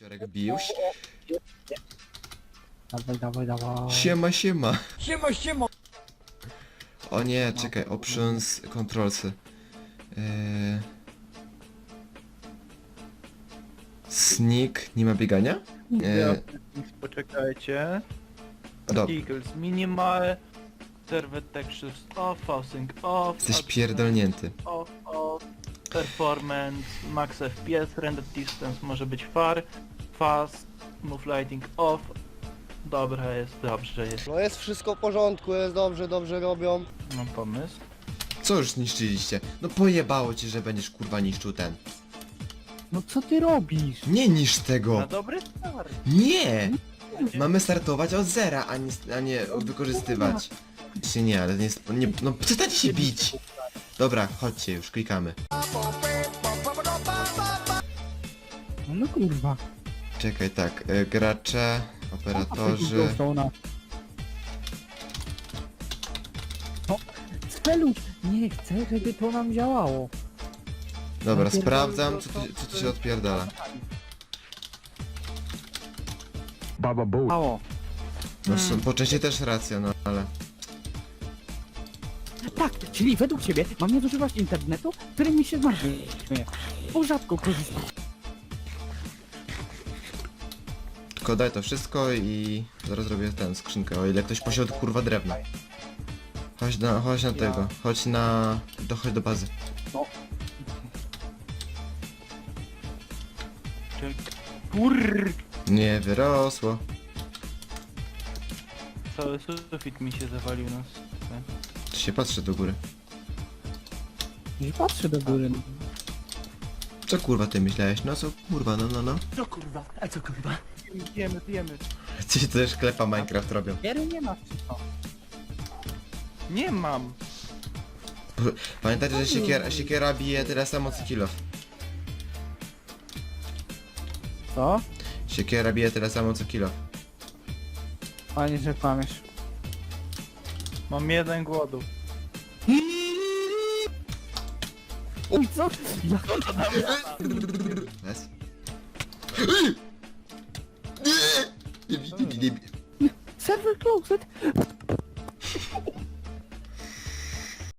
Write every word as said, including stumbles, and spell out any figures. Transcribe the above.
Wczoraj biłś. Dawaj, dawaj, dawaj. Siema, siema. Siema, siema. O nie, czekaj, options, controlsy. Yy... Sneak, nie ma biegania? Yy... Poczekajcie. Dobra, Particles minimal. Server textures off, housing off. jesteś adjustment pierdolnięty. Off, off. Performance, max F P S, render distance może być far, fast, move lighting off. Dobra, jest dobrze, jest. No jest wszystko w porządku, jest dobrze, dobrze robią. Mam pomysł. Co już zniszczyliście? No pojebało ci, że będziesz kurwa niszczył ten. No co ty robisz? Nie niszcz Na tego! dobry start. Nie! Mamy startować od zera, a nie, a nie wykorzystywać. Się nie, ale nie, nie no przestańcie się bić! Dobra, chodźcie już, klikamy. No, no kurwa. Czekaj, tak, y, gracze, operatorzy... Glowstone'a. No, Speluś, nie chcę, żeby to nam działało. Dobra, Napierdolę sprawdzam, to, co to- tu, co tu się odpierdala. Mało. No są, po części też racja, no ale... Tak, czyli według ciebie mam nie zużywać internetu, który mi się zmarnuje. Bo rzadko korzystam. Tylko daj to wszystko i zaraz zrobię tę skrzynkę, o ile ktoś posiada kurwa drewno. Chodź na, chodź na tego, chodź na... Do, chodź do bazy. Czek- Kurr! Nie wyrosło. Cały sufit mi się zawalił na s- Tu się patrzy do góry. Nie patrzę do góry. Co kurwa ty myślałeś? No co kurwa, no no no. Co kurwa? A co kurwa? Jemy, jemy. Ci też klepa Minecraft robią. Giery nie ma czy co? Nie mam. Pamiętajcie, że siekiera, siekiera bije tyle samo co kilof. Co? Siekiera bije tyle samo co kilof. Panie, że kłamiesz. Mam jeden głodu. Uj, co? Ja... Bez. Nie bij, nie bij, nie bij. Server closed!